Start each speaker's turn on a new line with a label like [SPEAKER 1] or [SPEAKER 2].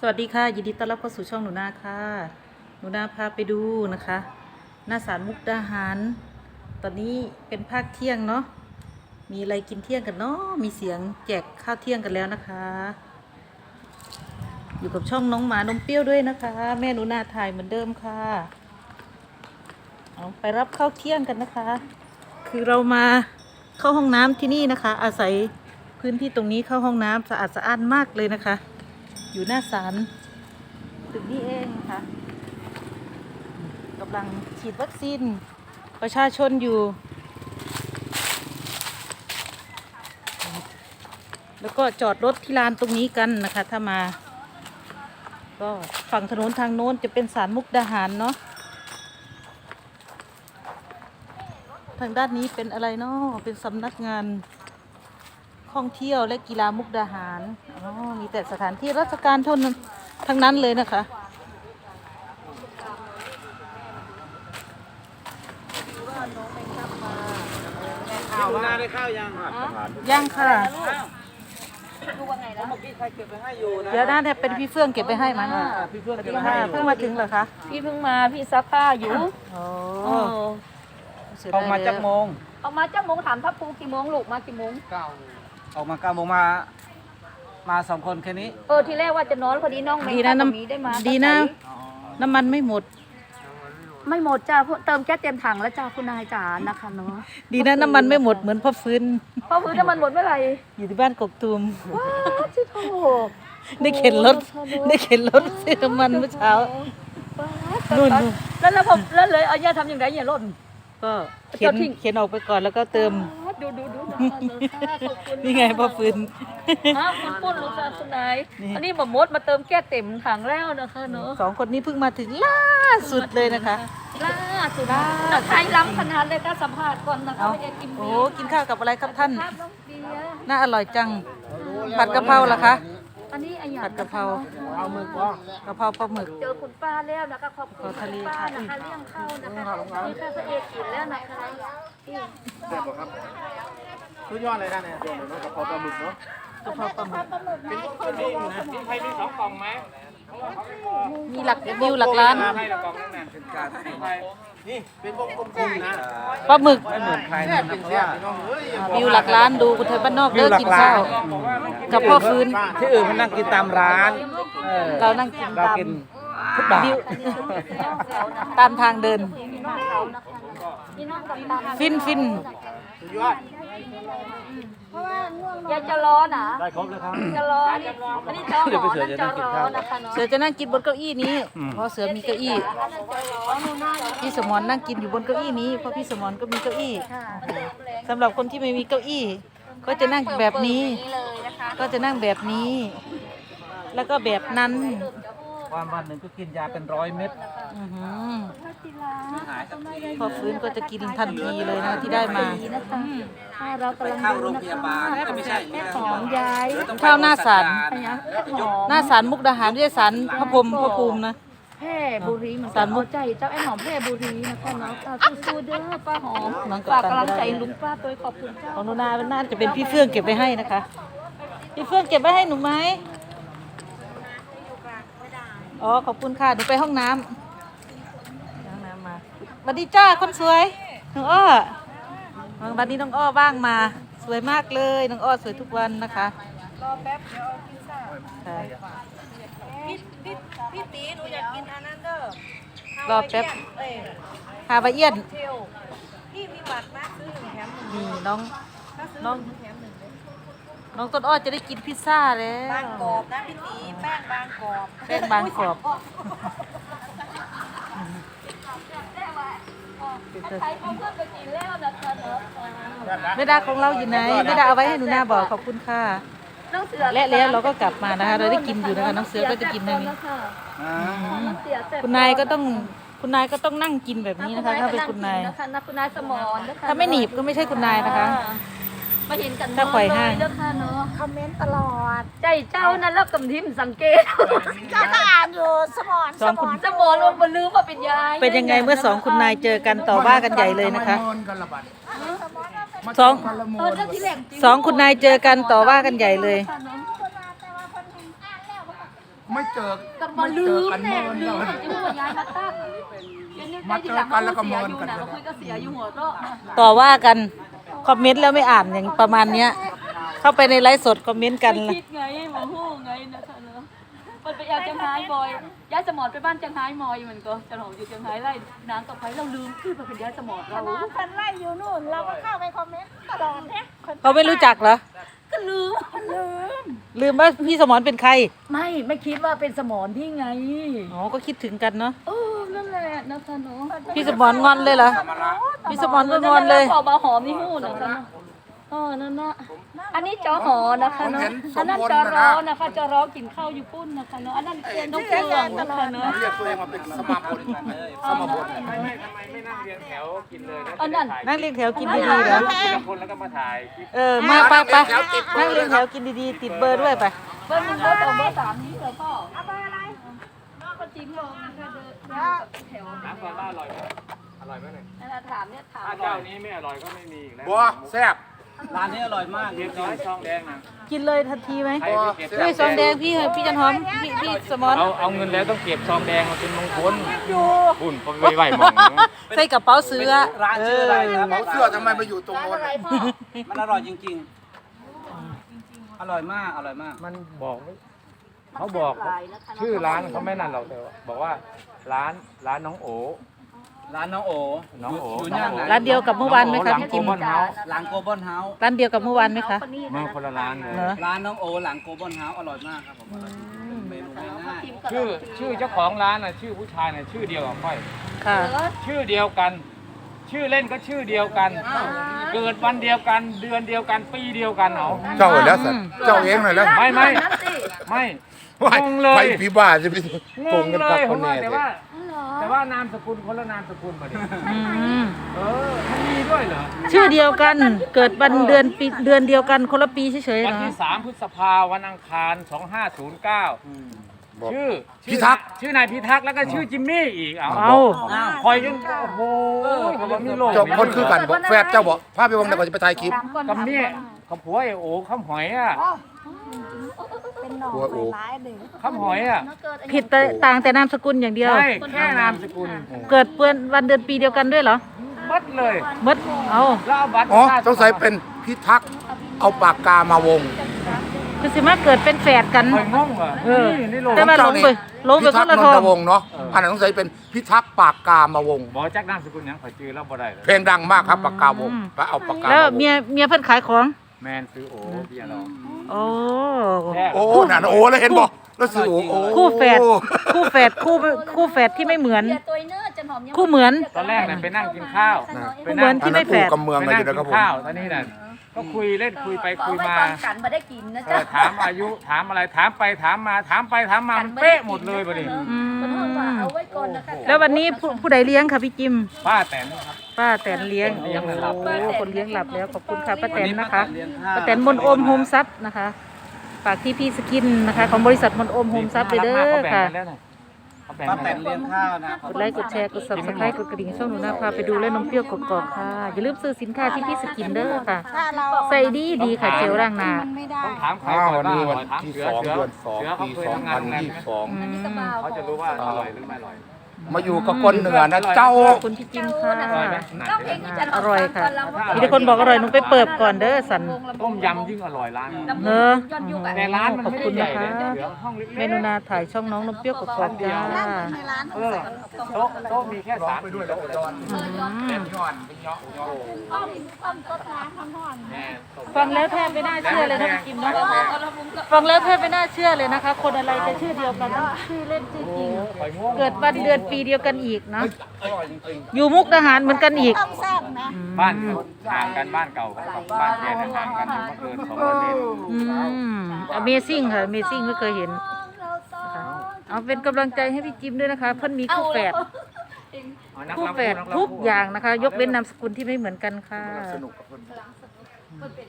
[SPEAKER 1] วัสดีค่ะยินดีต้อนรับเข้าสู่ช่องหนูนาค่ะหนูนาพาไปดูนะคะหน้าศาลมุกดาหารตอนนี้เป็นภาคเที่ยงเนาะมีอะไรกินเที่ยงกันเนาะมีเสียงแจกข้าวเที่ยงกันแล้วนะคะอยู่กับช่องน้องหมานมเปรี้ยวด้วยนะคะแม่หนูนาถ่ายเหมือนเดิมค่ะเอาไปรับข้าวเที่ยงกันนะคะคือเรามาเข้าห้องน้ำที่นี่นะคะอาศัยพื้นที่ตรงนี้เข้าห้องน้ำสะอาดสะอ้านมากเลยนะคะอยู่หน้าศาลตึกนี้เองค่ะกำลังฉีดวัคซีนประชาชนอยู่แล้วก็จอดรถที่ลานตรงนี้กันนะคะถ้ามาก็ฝั่งถนนทางโน้นจะเป็นศาลมุกดาหารเนาะทางด้านนี้เป็นอะไรเนาะเป็นสำนักงานท่องเที่ยวและกีฬามุกดาหารอ๋อมีแต่สถานที่ราชการเท่านั้นทั้งนั้นเลยนะคะ
[SPEAKER 2] ข้าวหน้าได้ข้าวยัง
[SPEAKER 1] ย่างค่ะ
[SPEAKER 2] เมื่อกี้ใครเก็บไปให้อยู่นะ
[SPEAKER 1] เดี๋ยวน่าจะเป็นพี่เฟื่องเก็บไปให้มั้ง
[SPEAKER 2] พี่เพื่อนเก็บไป
[SPEAKER 1] ค่ะ
[SPEAKER 2] ให้
[SPEAKER 1] เพิ่งมาถึงเหรอคะ
[SPEAKER 3] พี่เพิ่งมาพี่ซักผ้าอยู่
[SPEAKER 1] โอ้
[SPEAKER 3] โอ้
[SPEAKER 2] ออกมาจากโมง
[SPEAKER 3] เอามาจ้าโมงถามทัพภูกี่โมงลูกมากี่โมง
[SPEAKER 2] ออกมา9 โมงมา2 คนแค่นี้
[SPEAKER 3] ทีแรกว่าจะนอนพอดีน้องเม
[SPEAKER 1] ดี
[SPEAKER 3] ย์
[SPEAKER 1] นะ
[SPEAKER 3] ตรงนี้ได้มา
[SPEAKER 1] ดีนะ น้ำมันไม่หมด
[SPEAKER 3] ไม่หมดจ้าเติมแก๊สเต็มถังแล้วจ้าคุณนายจ๋านะคะเนาะ
[SPEAKER 1] ดีนะน้ำมันไม่หมดเหมือนพ่อฟื้น
[SPEAKER 3] เพราะพื้นน้ำมันหมดเมื่อไหร่
[SPEAKER 1] อยู่ที่บ้านกกตูม
[SPEAKER 3] ว้าวชิโถ
[SPEAKER 1] ได้เข็นรถซื้อน้ำมันเมื่อเช้า นู่น
[SPEAKER 3] แล้วแล้วเลยเอาย่าทำอย่างไรอย่าล่น
[SPEAKER 1] ก็เข็นออกไปก่อนแล้วก็เติม
[SPEAKER 3] ดู
[SPEAKER 1] นี่ไงพ่อฟื้น
[SPEAKER 3] คุณปุ้นลูกสาวคุณนาย
[SPEAKER 1] นี่
[SPEAKER 3] อันนี้บะมดมาเติมแก๊สเต็มถังแล้วนะคะเนาะ
[SPEAKER 1] สองคนนี้เพิ่งมาถึงล่าสุดเลยนะคะ
[SPEAKER 3] ล่าสุดแต่ใครล้ำขนาดเลยก็สัมภาษณ์ก่อนนะคะ
[SPEAKER 1] เอา
[SPEAKER 3] ไม่ได้กิน
[SPEAKER 1] โอ้
[SPEAKER 3] เบียร์
[SPEAKER 1] กินข้าวกับอะไรครับท่าน
[SPEAKER 3] ครับน้องเบียร์
[SPEAKER 1] น่าอร่อยจัง ผัดกะเพราเหรอคะ
[SPEAKER 3] อันนี้อันอย่าง
[SPEAKER 1] ผัดกะเพรา
[SPEAKER 2] เอามือก้อง
[SPEAKER 1] กะเพราปลาหมึก
[SPEAKER 3] เจอคุณป้าแล้วนะคะขอบคุณ
[SPEAKER 1] ทะเล
[SPEAKER 3] คุณป้า
[SPEAKER 1] ค่ะ
[SPEAKER 3] นะคะเลี้ยงข้าวนะคะมีข้าวพระเอกกินแล้วนะคะที่
[SPEAKER 2] เสร็จครับสุดยอดเลยนะเนี่ยกระเพราปลาหมึกเนาะ
[SPEAKER 1] กะเพราปลาหมึก
[SPEAKER 2] ใครมี2 กล่องไหม
[SPEAKER 1] มีหลักวิวหลักล้าน
[SPEAKER 2] ให้ละกล่องนั่นน่ะเป็นการนี่เป็นวงกลมๆนะ
[SPEAKER 1] ปลาหมึก
[SPEAKER 2] ไม่เหมือนใครนะเพราะว่า
[SPEAKER 1] วิวหลักล้านดูคนไทยบ้านนอกเลิกกินข้าวกับพ่อฟื้น
[SPEAKER 2] ที่อื่นมันนั่งกินตามร้าน
[SPEAKER 1] เรานั่งกิน
[SPEAKER 2] เรา
[SPEAKER 1] ตาม
[SPEAKER 2] กินทุกบาท
[SPEAKER 1] วิวตามทางเดิน
[SPEAKER 3] พี่น้องเขานะคะพี่น้องกับตา
[SPEAKER 1] ฟิน
[SPEAKER 2] สุดยอด
[SPEAKER 3] ยายจะร้อนอ่ะ
[SPEAKER 2] ได้ครบเลยครับ
[SPEAKER 3] จะร้อนอันนี้จอหอนั่นจอร้อนนะคะเนาะ
[SPEAKER 1] เสือจะนั่งกินบนเก้าอี้นี้ เพราะเสือมีเก้าอี้ พี่สมรนั่งกินอยู่บนเก้าอี้นี้เพราะพี่สมรก็มีเก้าอี้สำหรับคนที่ไม่มีเก้าอี้ ก็จะนั่งแบบนี้ ก็จะนั่งแบบนี้ แล้วก็แบบนั้น
[SPEAKER 2] วันหนึ่งก็กินยาเป็น100 เม็ด
[SPEAKER 1] อื้อหือพอฟื้นก็จะกินทันทีเลยนะที่ได้มา
[SPEAKER 3] เรากำลังดูนะคะแม่หอมยาย
[SPEAKER 1] ข้าวหน้าศาล
[SPEAKER 3] อะไรนะแม่หอม
[SPEAKER 1] หน้าศาลมุกดาหารไม่ใช่ศาลพระพรหมพระภูมินะ
[SPEAKER 3] แพร่บุรีเหมือน
[SPEAKER 1] สา
[SPEAKER 3] กั
[SPEAKER 1] ร
[SPEAKER 3] น
[SPEAKER 1] มุก
[SPEAKER 3] ใจเจ้าไอ้หอมแพร่บุรีนะคะเนาะสู้ๆเด้อป้าหอม
[SPEAKER 1] น้องกัป
[SPEAKER 3] ฝาก
[SPEAKER 1] ตัน
[SPEAKER 3] กำลังใจ
[SPEAKER 1] ก็ได้
[SPEAKER 3] ลุงป้าตัวขอบคุณเจ้า
[SPEAKER 1] ของหนูนาน่าจะเป็นพี่เฟื่องเก็บไว้ให้นะคะ พี่เฟื่องเก็บไว้ให้หนูไหมอ๋อขอบคุณค่ะหนูไปห้องน้ำมาสวัสดีจ้าคนสวยน้องอ้อวันนี้น้องอ้อบ้างมาสวยมากเลยน้องอ้อสวยทุกวันนะคะรอแป๊บเดี๋ยวเอาพิซซ่าพี่ตีหนูอยากกินอันนั้นเด้อรอแป๊บฮาวายเอียนพี่มีบัตรนะซื้อ1 แถม 1นี่น้องต้นอ้อจะได้กินพิซซ่าแล้วบางกรอบนะพี่ตีแป้งบางกรอบ
[SPEAKER 3] ใครเขาเพื่อนไปกินแล้วนะคะเนาะ
[SPEAKER 1] แม่ดาของเราอยู่ไหนแม่ดาเอาไว้ให้หนูนาบอกขอบคุณค่ะ
[SPEAKER 3] น้องเสือ
[SPEAKER 1] และแล้วเราก็กลับมานะคะเราได้กินอยู่นะคะน้องเสือก็จะกินในนี้ คุณนายก็ต้องนั่งกินแบบนี้นะคะถ้าเป็นคุณนาย
[SPEAKER 3] คุณนายสมรนะคะ
[SPEAKER 1] ถ้าไม่หนีบก็ไม่ใช่คุณนายนะคะ
[SPEAKER 3] มาเห็นกัน
[SPEAKER 1] ถ้าปล่อยห้าง
[SPEAKER 3] เด้อค่ะเนาะคอมเมนต์ตลอดใจเจ้านั้นแล้วกำทิมสังเกต
[SPEAKER 4] ก็อ่านอยู่สมอน
[SPEAKER 1] สองคุณ
[SPEAKER 3] สมรลงบนลืมว่าเป็นยาย
[SPEAKER 1] เป็นยังไงเมื่อสองคุณนายเจอกันต่อว่ากันใหญ่เลยนะคะสอง
[SPEAKER 3] เจ้าที่แหลมจริง
[SPEAKER 1] สองคุณนายเจอกันต่อว่ากันใหญ่เลย
[SPEAKER 3] ค่ะเนาะ
[SPEAKER 4] แต่ว่าคนเห็นอ่านแล้ว
[SPEAKER 5] ไม่เจอ
[SPEAKER 3] กับ
[SPEAKER 5] ไม่
[SPEAKER 3] มาลื
[SPEAKER 5] เจอ
[SPEAKER 3] ม
[SPEAKER 5] กัน
[SPEAKER 3] แน่
[SPEAKER 5] เมิน
[SPEAKER 3] ลื
[SPEAKER 5] เล
[SPEAKER 3] ม
[SPEAKER 5] ย
[SPEAKER 3] จะหัวย้ายมาตั้ง
[SPEAKER 5] มาเจอกันแล้วก็เมินกัน
[SPEAKER 3] เราคุยก็เสียอยู่หัวก็
[SPEAKER 1] ต่อว่ากันคอมเมนต์แล้วไม่อ่านอย่างประมาณเนี้ย เข้าไปในไลฟ์สดคอมเมนต์กัน
[SPEAKER 3] ไม่คิดไงหมอหู้ไงนะคะเนาะมันไปเอาจังไห้บอยย้ายสมอนไปบ้านจังไห้มอยมันก็จะหอมอยู่จังไห้ไล่นางกับไผเราลืมคือมาเป็นย้ายสมอนเรา
[SPEAKER 4] คนไล่อยู่นู่น เราก็เข้าไปคอมเมนต์ตลอดเนี่ย
[SPEAKER 1] เขาไม่รู้จักเหรอ
[SPEAKER 3] ก็ลืม
[SPEAKER 1] ลืมว่าพี่สมรเป็นใคร
[SPEAKER 3] ไม่คิดว่าเป็นสมอนที่ไง
[SPEAKER 1] อ๋อก็คิดถึงกันเนาะ
[SPEAKER 3] นั่นแหละนะคะเนาะ
[SPEAKER 1] พี่สมรงอนเลยเหรอพี่สมรก็งอนเลย
[SPEAKER 3] พอมาหอมนี่หู้นะคะนั่นนะอันนี้จอหอนะคะเนาะอันนั้นจอรอนะคะจอรอกินข้าวอยู่ปุ้นนะคะเนาะอันนั้นเป็นน้องเฟืองนะคะเนาะ
[SPEAKER 5] เรียกตัวเองมาเป็นสมาคมสมาคม
[SPEAKER 6] ไม่นั่งเรียงแถวกินเลยนะ
[SPEAKER 3] อันนั้น
[SPEAKER 1] นั่งเรียงแถวกินดีๆเหรอ
[SPEAKER 6] ทีละคนแล้วก็มาถ่ายคลิป
[SPEAKER 1] มาไปนั่งเรียงแถวกินดีๆติดเบอร์ด้วยไป
[SPEAKER 3] เบอร์ 1 เบอร์ 2 เบอร์ 3นี้เหรอพ่อเอาเบอร์อะไรน้องก็จริงลงนะคะเดินแถว
[SPEAKER 6] น้ำก่อนว่าอร่อยไหมอร่อยไหมเนี่ย
[SPEAKER 3] นั่นแหละถามเนี่ยถาม
[SPEAKER 6] ถ้าเจ้านี้ไม่อร่อยก็ไม่มีอีกแล้ว
[SPEAKER 5] บัวแซ่บ
[SPEAKER 2] ร้านนี้อร่อยมาก
[SPEAKER 6] เรียบร้อยช่องแดงนะ
[SPEAKER 1] กินเลยทันทีไหม
[SPEAKER 6] ใครไปเก็บ
[SPEAKER 1] ด้วยซองแดงพี่จันหอมพี่สมร
[SPEAKER 6] เอาเงินแล้วต้องเก็บซองแดงมาเป็นมงคลบุญพอไปไหวมอง
[SPEAKER 1] ใส่กระเป๋าเสื้อ
[SPEAKER 2] ร้านชื่ออะไรนะ
[SPEAKER 5] เสื้อทำไมมาอยู่ตรงโน้น
[SPEAKER 2] มันอร่อยจริงๆ อร่อยมากอร่อยมาก
[SPEAKER 6] มันบอกเขาบอกชื่อร้านเขาไม่นั่นหรอกแต่บอกว่าร้านน้องโอ
[SPEAKER 2] ร้านน้องโอ
[SPEAKER 6] น้องโอ
[SPEAKER 2] อยู่ย่านไหน
[SPEAKER 1] ร้านเดียวกับเมื่อวานไหมคะพี่จิม
[SPEAKER 6] หลังโกลบอลเฮาส์
[SPEAKER 2] หลังโกลบอลเฮาส์
[SPEAKER 1] ร้านเดียวกับเมื่อวานไหมคะ
[SPEAKER 6] เมื่อคนละร้านเลย
[SPEAKER 1] เหรอ
[SPEAKER 2] ร้านน้องโอหลังโกลบอลเฮาส์อร่อยมากครับผมอร่อยเมนูง่าย
[SPEAKER 6] ชื่อเจ้าของร้านน่ะชื่อผู้ชายน่ะชื่อเดียวกับค่อย
[SPEAKER 1] ค่ะ
[SPEAKER 6] ชื่อเดียวกัน ชื่อเล่นก็ชื่อเดียวกัน เกิดวันเดียวกัน เดือนเดียวกัน ปีเดียวกันเอา
[SPEAKER 5] เจ้าแล้วสัตว์เจ้าเองหน่อยแล้ว
[SPEAKER 6] ไม่งงเล
[SPEAKER 5] ไป
[SPEAKER 6] ย
[SPEAKER 5] พี่บ้าจะไป
[SPEAKER 6] ง
[SPEAKER 5] โกง
[SPEAKER 6] ง
[SPEAKER 5] กัน
[SPEAKER 6] เล
[SPEAKER 5] กับ
[SPEAKER 6] ย
[SPEAKER 5] คน
[SPEAKER 6] ว่า
[SPEAKER 5] แน่
[SPEAKER 6] แต่ว่านามสกุลคนละนามสกุลมาดิ
[SPEAKER 1] อืม
[SPEAKER 6] มันมีด้วยเหรอ
[SPEAKER 1] ชื่อเดียวกันเกิดวันเดือนปีเดือนเดียวกันคนละปีเฉยๆ
[SPEAKER 6] วัน
[SPEAKER 1] นะ
[SPEAKER 6] ที่3 พฤษภาวันอังคาร 2509
[SPEAKER 5] บอก
[SPEAKER 6] ชื่อ
[SPEAKER 5] พิทักษ์
[SPEAKER 6] ชื่อนายพิทักษ์แล้วก็ชื่อจิมมี่อีกเอา
[SPEAKER 1] เอา
[SPEAKER 6] คอยจนโอ้โหเขาบอกมีโลก
[SPEAKER 5] เจ้าคนคือกันบอกแฟบเจ้าบอกภาพไปวงเดี๋ยวก่อนจะไปถ่ายคลิป
[SPEAKER 6] กับเมียกับผัวไอ้โอ้ข้ามหอยอ่ะ
[SPEAKER 4] เป็นหนอง
[SPEAKER 5] หัวโอ้
[SPEAKER 4] ร้ายหนึ่ง
[SPEAKER 6] ข้ามหอยอ่ะ
[SPEAKER 1] ผิดแต่ต่างแต่นามสกุลอย่างเดียว
[SPEAKER 6] ใช่แค่นามสกุล
[SPEAKER 1] เกิดเปื้อนวันเดือนปีเดียวกันด้วยเหรอ
[SPEAKER 6] มัดเลย
[SPEAKER 1] มดเอา
[SPEAKER 6] แล้วเอาบัตร
[SPEAKER 5] อ๋อสงสัยเป็นพิทักษ์เอาปากกามาวง
[SPEAKER 1] คือสิมาเกิดเป็นแฝดกัน
[SPEAKER 6] คอยงงเหรอ
[SPEAKER 1] เออ
[SPEAKER 6] นี่โลก
[SPEAKER 1] แต่ว่าลงไป
[SPEAKER 5] พิ
[SPEAKER 1] ค
[SPEAKER 5] ทัก
[SPEAKER 1] น
[SPEAKER 5] ษ์
[SPEAKER 1] ละ
[SPEAKER 5] น
[SPEAKER 1] ท
[SPEAKER 5] น
[SPEAKER 1] อง
[SPEAKER 5] ทวงศ์เนาะอันนั้นสงสัยเป็นพิทักษ์ปากกามาวง
[SPEAKER 6] บอกจักนามสกุลยังขอยจือแล้วบ่ได้เลย
[SPEAKER 5] เพลงดังมากครับปากกาวงไปเอาปากกา
[SPEAKER 1] แล้ว
[SPEAKER 5] มาวง
[SPEAKER 1] เมียเพิ่นขายของ
[SPEAKER 6] แมนซื้อโอ้พี่น้อง
[SPEAKER 1] โอ้
[SPEAKER 6] แท้
[SPEAKER 5] โอ้นั่นโอ้แล้วเห็นบอกแล้วสื่อโอ้
[SPEAKER 1] คู่แฝดคู่แฝดที่ไม่เหมือน
[SPEAKER 3] เดี๋ยวตัวเนื้อจะหอมยัง
[SPEAKER 1] คู่เหมือน
[SPEAKER 6] ตอนแรกน่ะไปนั่งกินข้าว
[SPEAKER 1] คู่เหมือนที่ไม่แฝด
[SPEAKER 5] กำเมือง
[SPEAKER 6] ไป
[SPEAKER 5] อะไร
[SPEAKER 6] นั่
[SPEAKER 5] อง ยู่นะครับผม
[SPEAKER 6] กินข้าวตอนนี้น่ะก็คุยเล่นคุยไปคุยมา
[SPEAKER 3] กันมาได้กินนะ
[SPEAKER 6] เอ
[SPEAKER 3] จ๊ะ
[SPEAKER 6] อถามอายุถามอะไรถามไปถามมาถามไปถามมามันเป๊ะหมดเลยบัดนี้
[SPEAKER 3] คนห้องว่าเอาไว้ก่อนนะคะ
[SPEAKER 1] แล้ววันนี้ผู้ใดเลี้ยงค่ะพี่จิม
[SPEAKER 6] ป้าแตนครับ
[SPEAKER 1] ป้าแตนเลี้ยง
[SPEAKER 6] คนเลี้ยงน่ะหลับ
[SPEAKER 1] โอ้คนเลี้ยงหลับแล้วขอบคุณค่ะป้าแตนนะคะ
[SPEAKER 2] เลี้ยงข้าว
[SPEAKER 1] ป้าแตนมนโอมโฮมซับนะคะฝากที่พี่สกินนะคะของบริษัทมนโอมโฮมซับเลยเด้อ
[SPEAKER 6] เขาแบ่ง
[SPEAKER 1] ค่ะ
[SPEAKER 6] กันแล้วน่ะเขาแบ่ง
[SPEAKER 2] ป้า
[SPEAKER 6] กัน
[SPEAKER 2] แต
[SPEAKER 6] แล้ว
[SPEAKER 2] นเลี้ยงข้าวนะ
[SPEAKER 1] กดไลค์กดแชร์กด subscribe กดกระดิ่งช่องหนูนาพาไปดูและนมเปรี้ยวกรอบๆค่ะ อย่าลืมซื้อสินค้าที่พี่สกินเด้อค่ะ
[SPEAKER 4] ถ้าเรา
[SPEAKER 1] ใส่ดีค่ะเจลล้างหน้า
[SPEAKER 4] มันไม่ได้
[SPEAKER 6] ต้องถามใคร
[SPEAKER 5] อ้าว
[SPEAKER 6] ก่อน
[SPEAKER 5] วันนี้
[SPEAKER 6] ว่า
[SPEAKER 5] วัน
[SPEAKER 6] ถาม
[SPEAKER 5] ที่
[SPEAKER 6] เสือ
[SPEAKER 5] 2
[SPEAKER 6] เสือ
[SPEAKER 5] เดือน
[SPEAKER 6] เสือเขา
[SPEAKER 5] 2 ปี
[SPEAKER 6] เคยทำงานโรงแรมไหม
[SPEAKER 5] 2022
[SPEAKER 6] เขาจะรู้ว่าอร่อยหรือไม่อร่อย
[SPEAKER 5] มาอยู่กับคนเหนือนะเจ้า
[SPEAKER 1] ขอบคุณพี่จิมค่ะ
[SPEAKER 3] ต้องเพลงที่จะ
[SPEAKER 1] อร่อยค่ะมีแต่คนบอกอร่อยหนูไปเปิดก่อนเด้อสัน
[SPEAKER 6] ต้มยำยิ่งอร่อยร้านนี้
[SPEAKER 1] เนอะ
[SPEAKER 3] ย้อนยุคอะ
[SPEAKER 6] แต่ร้านมัน
[SPEAKER 1] ขอบ
[SPEAKER 6] ไม่
[SPEAKER 1] คุ
[SPEAKER 6] ได้
[SPEAKER 1] ณ
[SPEAKER 6] ใหญ่
[SPEAKER 1] นะคะ
[SPEAKER 6] เลยเสือห้องเล็กๆ
[SPEAKER 1] เมนูนาถ่ายช่องน้องนมเปรี้ยวกรอบๆจ้า
[SPEAKER 4] ในร้าน
[SPEAKER 6] เออโต๊ะมีแค่3 4โต๊ะ
[SPEAKER 3] อ้อมต้นน้ำทั้งห่อน
[SPEAKER 6] แน่ตก
[SPEAKER 1] ฟังแล้วแทบไม่น่าเชื่อเลยนะพี่จิมเนาะฟังแล้วแทบไม่น่าเชื่อเลยนะคะ คนอะไรจะชื่อเดียวกันชื่อเล่นชื่อจริง
[SPEAKER 6] คอยง่วง
[SPEAKER 1] เกิดวันเดือนปีเดียวกันอีกเนาะอยู่มุกดาหารเหมือนกันอีก
[SPEAKER 4] ต้องแซ่บนะ
[SPEAKER 6] บ้านห่างกันบ้านเก่ากับบ้านแกเนี่ยห่างกันอยู่ไม่เกิน200 เมตร
[SPEAKER 1] Amazing ค่ะ Amazing ไม่เคยเห็นนะคะเอาเป็นกำลังใจให้พี่จิมด้วยนะคะเพิ่นมีคู่แฝด
[SPEAKER 6] เอานัก
[SPEAKER 1] คู่
[SPEAKER 6] รำ
[SPEAKER 1] แฝดทุกอย่างนะคะ ยกเว้นนามสกุลที่ไม่เหมือนกันค่ะ
[SPEAKER 5] สนุกกับคน